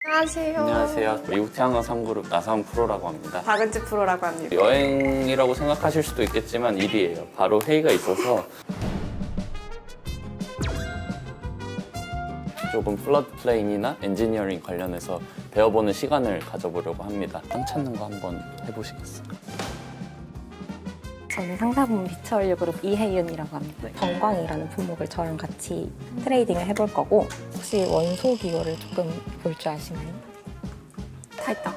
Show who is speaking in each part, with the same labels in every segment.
Speaker 1: 안녕하세요.
Speaker 2: 안녕하세요. 미국 태양광 3그룹 나사원 프로라고 합니다.
Speaker 1: 박은지 프로라고 합니다.
Speaker 2: 여행이라고 생각하실 수도 있겠지만 일이에요. 바로 회의가 있어서 조금 플러드 플레인이나 엔지니어링 관련해서 배워보는 시간을 가져보려고 합니다. 땅 찾는 거 한번 해보시겠어요?
Speaker 3: 저는 상사분 비처얼류 그룹 이혜윤이라고 합니다. 정광이라는 품목을 저랑 같이 트레이딩을 해볼 거고, 혹시 원소 기호를 조금 볼 줄 아시나요?
Speaker 1: 다 있다.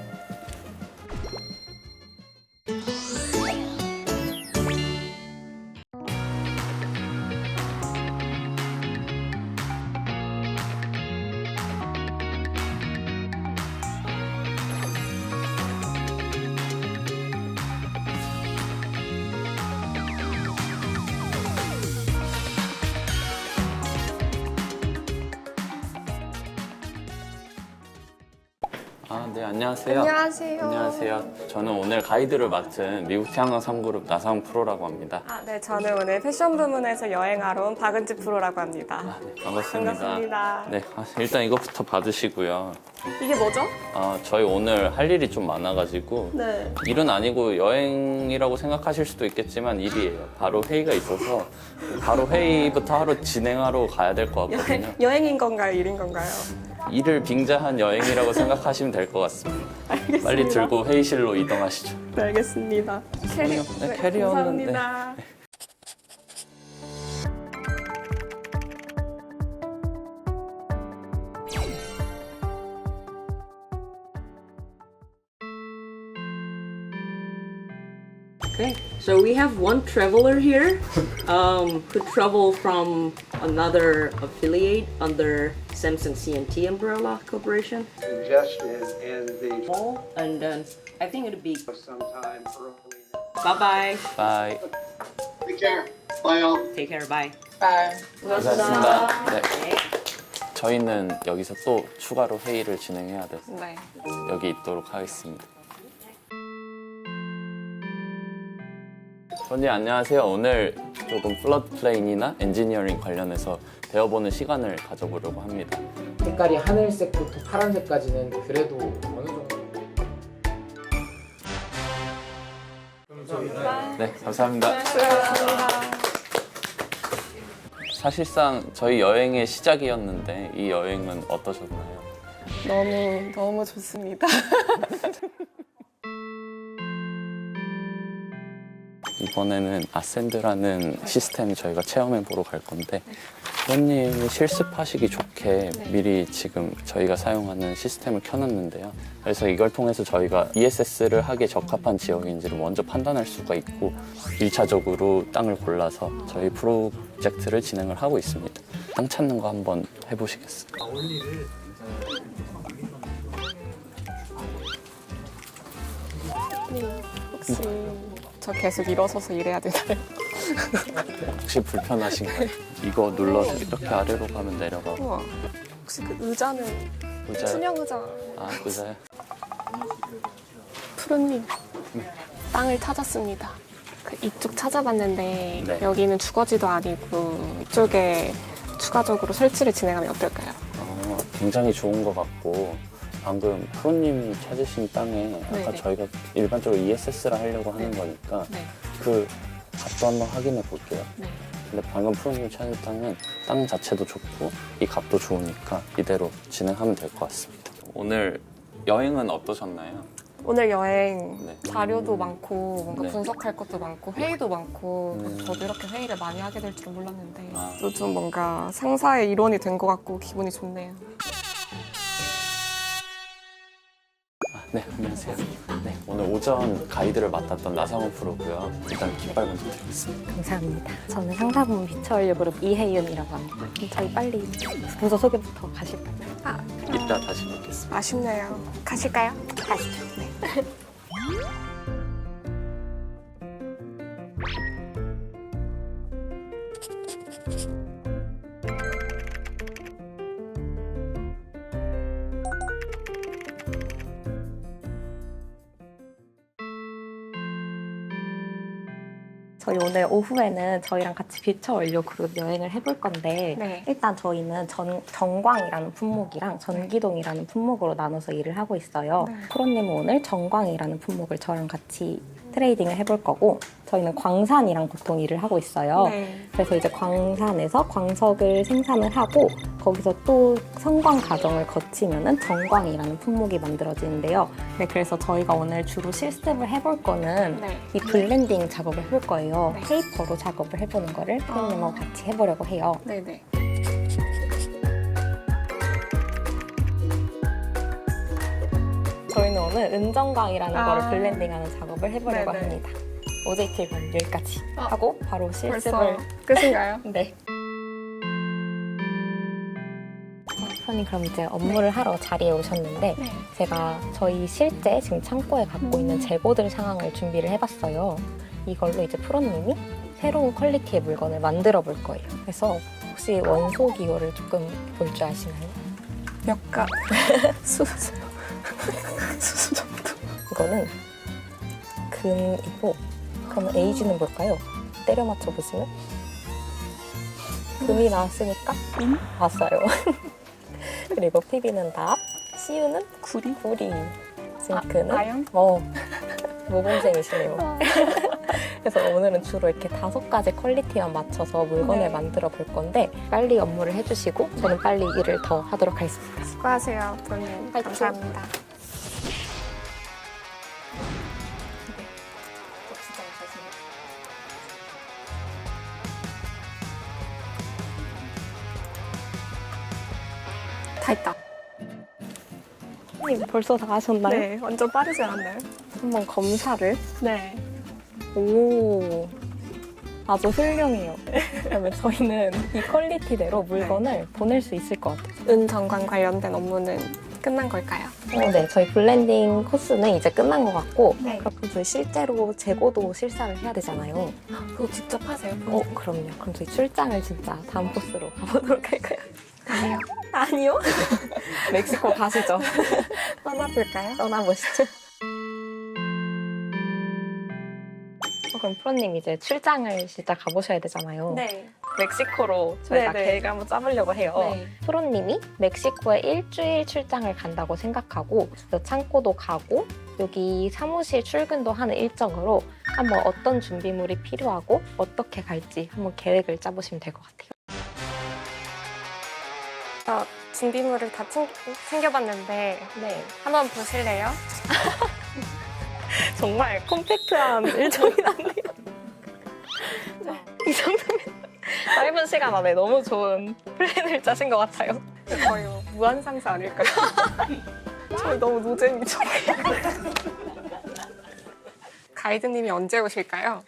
Speaker 2: 네, 안녕하세요.
Speaker 1: 안녕하세요.
Speaker 2: 안녕하세요. 저는 오늘 가이드를 맡은 미국 태양광 3그룹 나사원 프로라고 합니다.
Speaker 1: 네, 저는 오늘 패션 부문에서 여행하러 온 박은지 프로라고 합니다.
Speaker 2: 네, 반갑습니다.
Speaker 1: 반갑습니다.
Speaker 2: 네, 일단 이것부터 받으시고요.
Speaker 1: 이게 뭐죠?
Speaker 2: 저희 오늘 할 일이 좀 많아가지고
Speaker 1: 네.
Speaker 2: 일은 아니고 여행이라고 생각하실 수도 있겠지만 일이에요. 바로 회의가 있어서 바로 회의부터 하루 진행하러 가야 될 것 같거든요.
Speaker 1: 여행인 건가요? 일인 건가요?
Speaker 2: 일을 빙자한 여행이라고 생각하시면 될 것 같습니다.
Speaker 1: 알겠습니다.
Speaker 2: 빨리 들고 회의실로 이동하시죠.
Speaker 1: 네, 알겠습니다.
Speaker 2: 네, 캐리어는 네.
Speaker 1: 감사합니다.
Speaker 4: Okay, so we have one traveler here who traveled from another affiliate under Samsung CNT Umbrella Corporation.
Speaker 5: Congestion in the
Speaker 4: And then I think it'll be
Speaker 5: sometime early.
Speaker 4: bye-bye.
Speaker 2: 바이.
Speaker 5: Take care. Bye all.
Speaker 4: Take care, bye.
Speaker 2: 고생하셨습니다. 네. 저희는 여기서 또 추가로 회의를 진행해야 돼서
Speaker 1: 네.
Speaker 2: 여기 있도록 하겠습니다. 손님 안녕하세요. 오늘 조금 플러드 플레인이나 엔지니어링 관련해서 배워보는 시간을 가져보려고 합니다.
Speaker 6: 색깔이 하늘색부터 파란색까지는 그래도 어느 정도
Speaker 2: 네, 감사합니다. 사실상 저희 여행의 시작이었는데 이 여행은 어떠셨나요?
Speaker 1: 너무 좋습니다.
Speaker 2: 이번에는 아센드라는 시스템 저희가 체험해 보러 갈 건데 회원님이 실습하시기 좋게 미리 지금 저희가 사용하는 시스템을 켜놨는데요. 그래서 이걸 통해서 저희가 ESS를 하기에 적합한 지역인지를 먼저 판단할 수가 있고 1차적으로 땅을 골라서 저희 프로젝트를 진행을 하고 있습니다. 땅 찾는 거 한번 해보시겠어요?
Speaker 1: 혹시 저 계속 일어서서 일해야 되나요?
Speaker 2: 혹시 불편하신가요? 이거 눌러서 이렇게 아래로 가면 내려가고
Speaker 1: 우와. 혹시 그 의자는
Speaker 2: 의자요?
Speaker 1: 투명 의자.
Speaker 2: 아, 의자요?
Speaker 1: 푸르님, 땅을 찾았습니다. 이쪽 찾아봤는데
Speaker 2: 네.
Speaker 1: 여기는 주거지도 아니고 이쪽에 추가적으로 설치를 진행하면 어떨까요?
Speaker 2: 굉장히 좋은 것 같고 방금 프로님이 찾으신 땅에 아까
Speaker 1: 네네.
Speaker 2: 저희가 일반적으로 ESS를 하려고 하는 거니까
Speaker 1: 네.
Speaker 2: 그 값도 한번 확인해 볼게요.
Speaker 1: 네.
Speaker 2: 근데 방금 프로님이 찾은 땅은 땅 자체도 좋고 이 값도 좋으니까 이대로 진행하면 될 것 같습니다. 오늘 여행은 어떠셨나요?
Speaker 1: 오늘 여행
Speaker 2: 네.
Speaker 1: 자료도 많고 뭔가
Speaker 2: 네.
Speaker 1: 분석할 것도 많고 회의도 많고
Speaker 2: 음.
Speaker 1: 저도 이렇게 회의를 많이 하게 될 줄은 몰랐는데
Speaker 2: 아.
Speaker 1: 또 좀 뭔가 상사의 일원이 된 것 같고 기분이 좋네요.
Speaker 2: 네, 안녕하세요. 네, 오늘 오전 가이드를 맡았던 나사원 프로고요. 일단 깃발 먼저 드리겠습니다.
Speaker 3: 감사합니다. 저는 상사분 비처얼류 그룹 이혜윤이라고 합니다. 그럼 저희 빨리 부서 소개부터 가실까요?
Speaker 2: 이따 다시 뵙겠습니다.
Speaker 1: 아쉽네요. 가실까요?
Speaker 3: 가시죠. 저희 오늘 오후에는 저희랑 같이 퓨처 원료 그룹 여행을 해볼 건데
Speaker 1: 네.
Speaker 3: 일단 저희는 정광이라는 품목이랑 전기동이라는 품목으로 나눠서 일을 하고 있어요.
Speaker 1: 네.
Speaker 3: 프로님은 오늘 정광이라는 품목을 저랑 같이 트레이딩을 해볼 거고 저희는 광산이랑 보통 일을 하고 있어요.
Speaker 1: 네.
Speaker 3: 그래서 이제 광산에서 광석을 생산을 하고 거기서 또 성광 과정을 거치면은 정광이라는 품목이 만들어지는데요. 네, 그래서 저희가 오늘 주로 실습을 해볼 거는
Speaker 1: 네.
Speaker 3: 이 블렌딩 작업을 해볼 거예요.
Speaker 1: 네.
Speaker 3: 페이퍼로 작업을 해보는 거를 프로님하고 같이 해보려고 해요.
Speaker 1: 네네.
Speaker 3: 저희는 오늘 은정광이라는
Speaker 1: 아.
Speaker 3: 거를 블렌딩하는 작업을 해보려고
Speaker 1: 네네.
Speaker 3: 합니다. OJT 반 여기까지 하고 바로
Speaker 1: 벌써
Speaker 3: 실습을
Speaker 1: 끝인가요?
Speaker 3: 네. 프로님 그럼 이제 업무를 하러 자리에 오셨는데
Speaker 1: 네.
Speaker 3: 제가 저희 실제 지금 창고에 갖고 있는 재고들 상황을 준비를 해봤어요. 이걸로 이제 프로님이 새로운 퀄리티의 물건을 만들어 볼 거예요. 그래서 혹시 원소 기호를 조금 볼 줄 아시나요?
Speaker 1: 몇 가? 수수 정도.
Speaker 3: 이거는 금이고 그러면 에이지는 뭘까요? 때려 맞춰 보시면 금이 나왔으니까 왔어요. 그리고 PB는 납, CU는 구리, 징크는
Speaker 1: 아연?
Speaker 3: 모범생이시네요. 그래서 오늘은 주로 이렇게 5가지 퀄리티만 맞춰서 물건을
Speaker 1: 네.
Speaker 3: 만들어 볼 건데 빨리 업무를 해주시고 저는 빨리 일을 더 하도록 하겠습니다.
Speaker 1: 수고하세요, 프로님.
Speaker 3: 화이팅.
Speaker 1: 감사합니다. 다 했다.
Speaker 3: 벌써 다 하셨나요?
Speaker 1: 네, 완전 빠르지 않았나요?
Speaker 3: 한번 검사를.
Speaker 1: 네.
Speaker 3: 오, 아주 훌륭해요. 그러면 저희는 이 퀄리티대로 물건을 보낼 수 있을 것 같아요.
Speaker 1: 은정관 관련된 업무는 끝난 걸까요?
Speaker 3: 네, 저희 블렌딩 코스는 이제 끝난 것 같고
Speaker 1: 네.
Speaker 3: 그럼 저희 실제로 재고도 실사를 해야 되잖아요.
Speaker 1: 그거 직접 하세요?
Speaker 3: 그럼요. 그럼 저희 출장을 진짜 다음 코스로 가보도록 할까요?
Speaker 1: 가세요.
Speaker 3: 아니요. 멕시코 가시죠.
Speaker 1: 떠나볼까요?
Speaker 3: 떠나보시죠. 그럼 프로님 이제 출장을 진짜 가보셔야 되잖아요.
Speaker 1: 네.
Speaker 3: 멕시코로 저희가
Speaker 1: 네네.
Speaker 3: 계획을 한번 짜보려고 해요.
Speaker 1: 네.
Speaker 3: 프로님이 멕시코에 일주일 출장을 간다고 생각하고 그래서 창고도 가고 여기 사무실 출근도 하는 일정으로 한번 어떤 준비물이 필요하고 어떻게 갈지 한번 계획을 짜보시면 될 것 같아요.
Speaker 1: 준비물을 다 챙겨봤는데
Speaker 3: 네.
Speaker 1: 한번 보실래요?
Speaker 3: 정말 컴팩트한 일정이라네요. 이 정도면 짧은 시간 안에 너무 좋은 플랜을 짜신 것 같아요.
Speaker 1: 거의 무한상사 아닐까요? 저희 너무 노잼이죠. 가이드님이 언제 오실까요?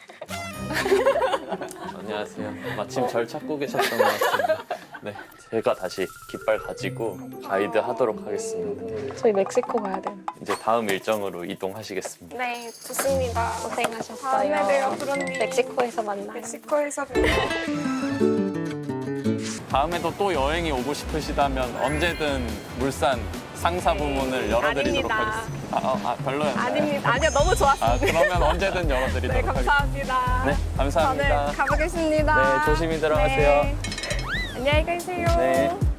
Speaker 2: 안녕하세요. 마침 절 찾고 계셨던 것 같습니다. 네, 제가 다시 깃발 가지고 가이드 하도록 하겠습니다.
Speaker 3: 저희 멕시코 가야 돼요.
Speaker 2: 이제 다음 일정으로 이동하시겠습니다.
Speaker 1: 네, 좋습니다.
Speaker 3: 고생하셨어요.
Speaker 1: 다음에 봬요, 프로님.
Speaker 3: 멕시코에서 만나요.
Speaker 1: 멕시코에서 봬요.
Speaker 2: 다음에도 또 여행이 오고 싶으시다면 언제든 물산 상사 부문을 열어드리도록
Speaker 1: 아닙니다.
Speaker 2: 하겠습니다. 별로였나요?
Speaker 1: 아닙니다. 아니요, 너무 좋았습니다.
Speaker 2: 그러면 언제든 열어드리도록
Speaker 1: 네,
Speaker 2: 하겠습니다.
Speaker 1: 감사합니다.
Speaker 2: 네, 감사합니다.
Speaker 1: 저는 가보겠습니다.
Speaker 2: 네, 조심히 들어가세요.
Speaker 1: 네. 안녕히 계세요.
Speaker 2: 네.